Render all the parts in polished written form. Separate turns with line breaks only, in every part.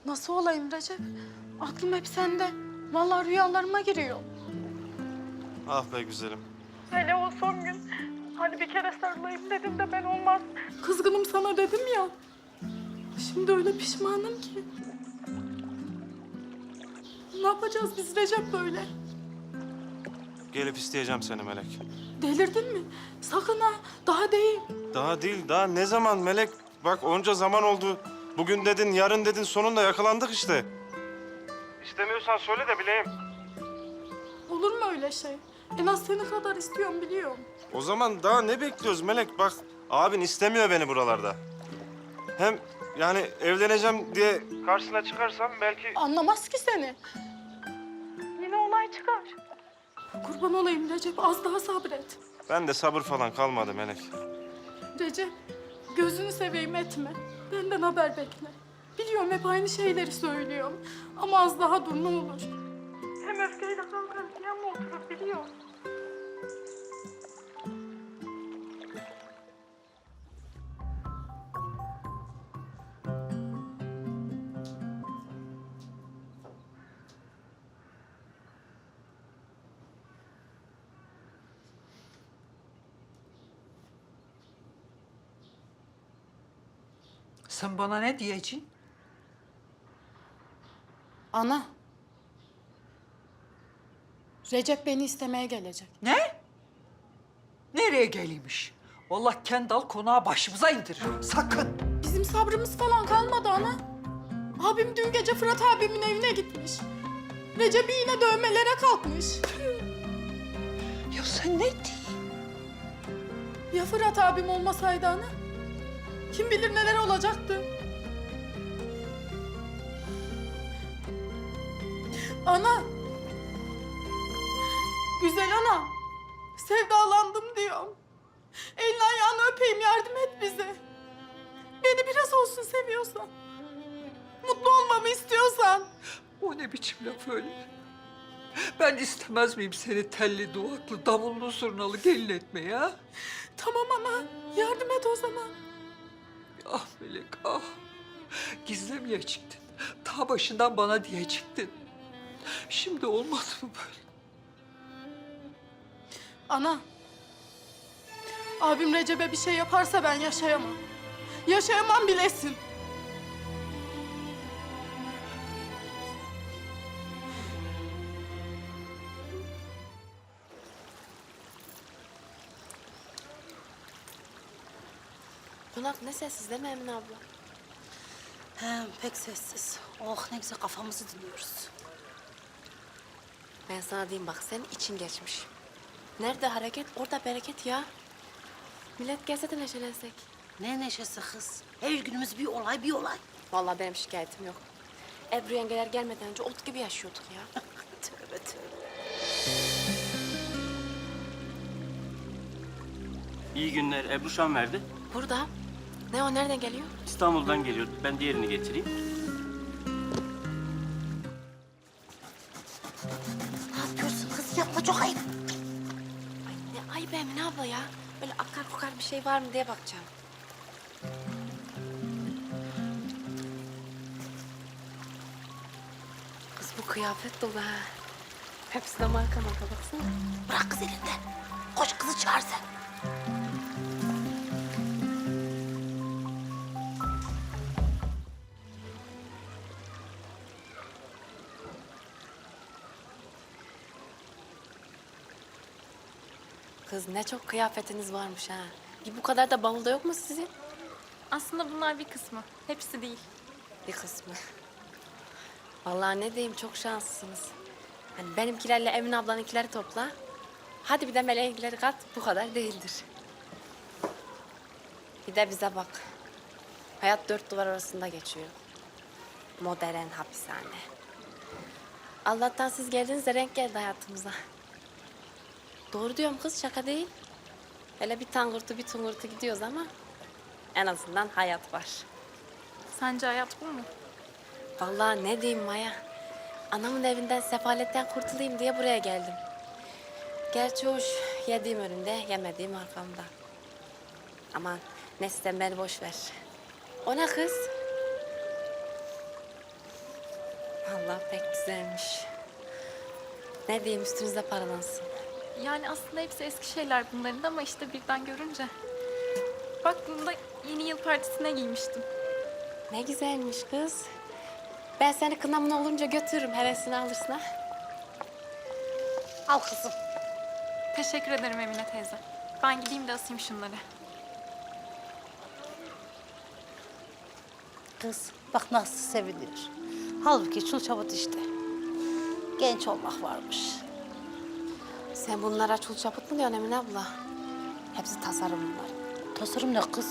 Nasıl olayım Recep? Aklım hep sende. Vallahi rüyalarıma giriyor.
Ah be güzelim.
Hele o son gün hani bir kere sarılayım dedim de ben olmaz. Kızgınım sana dedim ya. Şimdi öyle pişmanım ki. Ne yapacağız biz Recep böyle?
Gelip isteyeceğim seni Melek.
Delirdin mi? Sakın ha. Daha değil.
Daha değil, daha ne zaman Melek? Bak onca zaman oldu. Bugün dedin, yarın dedin, sonunda yakalandık işte. İstemiyorsan söyle de bileyim.
Olur mu öyle şey? En az seni kadar istiyorum biliyorum.
O zaman daha ne bekliyoruz Melek? Bak abin istemiyor beni buralarda. Hem yani evleneceğim diye karşısına çıkarsam belki...
Anlamaz ki seni. Yine olay çıkar. Kurban olayım Recep, az daha sabret.
Ben de sabır falan kalmadı Melek.
Recep, gözünü seveyim etme. Benden haber bekle. Biliyorum hep aynı şeyleri söylüyorum. Ama az daha dur ne olur. Hem öfkeyle kalkarız yan mı oturur biliyorum.
Sen bana ne diyeceksin?
Ana. Recep beni istemeye gelecek.
Ne? Nereye geliymiş? Vallahi Kendal konağı başımıza indirir. Sakın.
Bizim sabrımız falan kalmadı ana. Abim dün gece Fırat abimin evine gitmiş. Recep'i yine dövmelere kalkmış.
Ya sen ne diyorsun?
Ya Fırat abim olmasaydı ana? Kim bilir neler olacaktı. Ana. Güzel ana. Sevdalandım diyorum. Elini ayağını öpeyim yardım et bize. Beni biraz olsun seviyorsan. Mutlu olmamı istiyorsan.
O ne biçim laf öyle? Ben istemez miyim seni telli duvaklı, davullu zurnalı gelin etmeyi ha?
Tamam ana. Yardım et o zaman.
Ah Melek ah. Gizlemeye çıktın. Ta başından bana diyecektin. Şimdi olmaz mı böyle?
Ana. Abim Recep'e bir şey yaparsa ben yaşayamam. Yaşayamam bilesin.
Konak ne sessiz değil mi Emine abla?
He, pek sessiz. Oh ne güzel kafamızı dinliyoruz.
Ben sana diyeyim bak senin için geçmiş. Nerede hareket orada bereket ya. Millet gelse de neşelensek.
Ne neşesi kız. Her günümüz bir olay bir olay.
Vallahi benim şikayetim yok. Ebru yengeler gelmeden önce ot gibi yaşıyorduk ya.
Tövbe tövbe.
İyi günler. Ebru Şan verdi.
Burada. Ne o nereden geliyor?
İstanbul'dan geliyor. Ben diğerini getireyim.
Ne yapıyorsun kız? Yapma çok ayıp.
Ay ne ayıp Emine abla ya. Böyle akar kokar bir şey var mı diye bakacağım. Kız bu kıyafet dolu ha. Hepsi de marka baksana.
Bırak kız elinden. Koş kızı çağır sen.
Kız ne çok kıyafetiniz varmış ha. Bir bu kadar da bavulda yok mu sizin?
Aslında bunlar bir kısmı. Hepsi değil.
Bir kısmı. Vallahi ne diyeyim çok şanslısınız. Hani benimkilerle Emine ablanınkileri topla. Hadi bir de Meleğinkileri kat bu kadar değildir. Bir de bize bak. Hayat dört duvar arasında geçiyor. Modern hapishane. Allah'tan siz geldiğinizde renk geldi hayatımıza. Doğru diyorum kız şaka değil. Hele bir tangırtı bir tungurtu gidiyoruz ama en azından hayat var.
Sence hayat bu mu?
Vallahi ne diyeyim Maya. Anamın evinden sefaletten kurtulayım diye buraya geldim. Gerçi hoş yediğim önümde yemediğim arkamda. Aman neyse sen beni boş ver. O ne kız? Allah pek güzelmiş. Ne diyeyim üstünüzde paralansın.
Yani aslında hepsi eski şeyler bunların da ama işte birden görünce. Bak bunu da yeni yıl partisine giymiştim.
Ne güzelmiş kız. Ben seni kınamın olunca götürürüm. Hevesini alırsın ha.
Al kızım.
Teşekkür ederim Emine teyze. Ben gideyim de asayım şunları.
Kız bak nasıl seviniyor. Halbuki çul çabut işte. Genç olmak varmış.
Sen bunlara çul çaput mu diyorsun Emine abla? Hepsi tasarım bunlar.
Tasarım ne kız?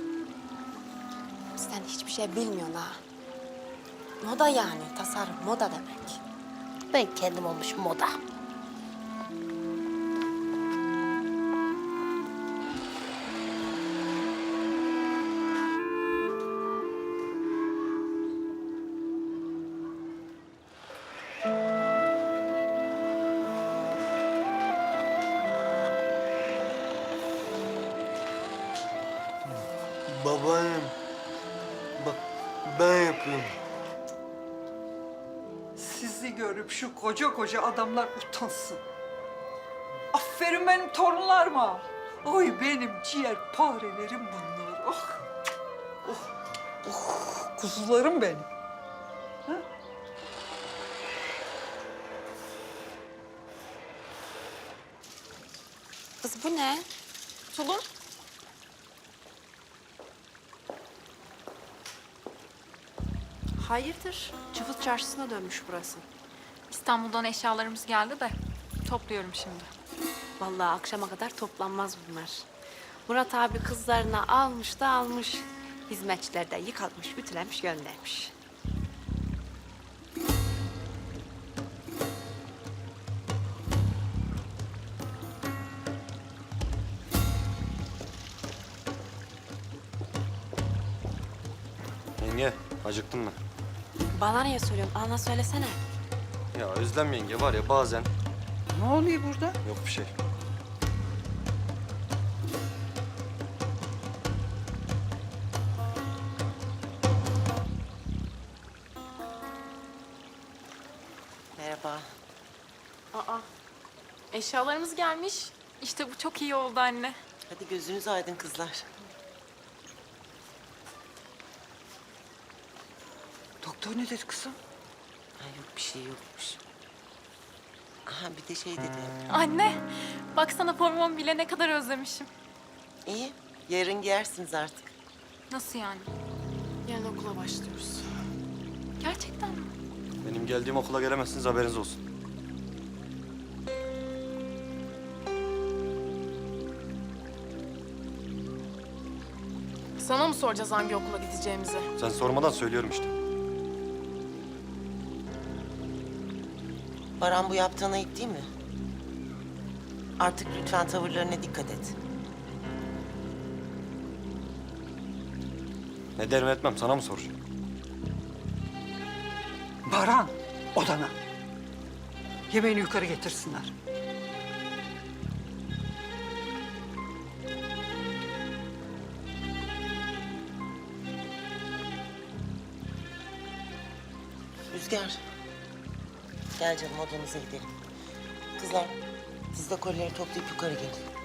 Sen hiçbir şey bilmiyorsun ha. Moda yani, tasarım, moda demek.
Ben kendim olmuşum moda.
Babaannem, bak ben yapıyorum.
Sizi görüp şu koca koca adamlar utansın. Aferin benim torunlarıma. Oy benim ciğer parelerim bunlar. Oh. Oh. Oh. Kuzularım benim.
Kız bu ne?
Tulum.
Hayırdır? Çıfıt çarşısına dönmüş burası.
İstanbul'dan eşyalarımız geldi de topluyorum şimdi.
Vallahi akşama kadar toplanmaz bunlar. Murat abi kızlarına almış da almış. Hizmetçiler de yıkatmış, ütülemiş, göndermiş.
Yenge, acıktın mı?
Bana niye söylüyorsun? Ana söylesene.
Ya Özlem yenge var ya bazen...
Ne oluyor burada?
Yok bir şey.
Merhaba.
Aa, eşyalarımız gelmiş. İşte bu çok iyi oldu anne.
Hadi gözünüz aydın kızlar.
Doktor ne dedi kızım?
Ha, yok bir şey yokmuş. Aha bir de şey dedi.
Anne, baksana formumu bile ne kadar özlemişim.
İyi, yarın giyersiniz artık.
Nasıl yani?
Yarın okula başlıyoruz.
Gerçekten mi?
Benim geldiğim okula gelemezsiniz haberiniz olsun.
Sana mı soracağız hangi okula gideceğimizi?
Sen sormadan söylüyorum işte.
Baran bu yaptığın ayıp değil mi? Artık lütfen tavırlarına dikkat et.
Ne derim etmem sana mı soracağım?
Baran, odana. Yemeğini yukarı getirsinler.
Rüzgar. Gel canım odanıza gidelim. Kızlar siz de kolileri toplayıp yukarı gelin.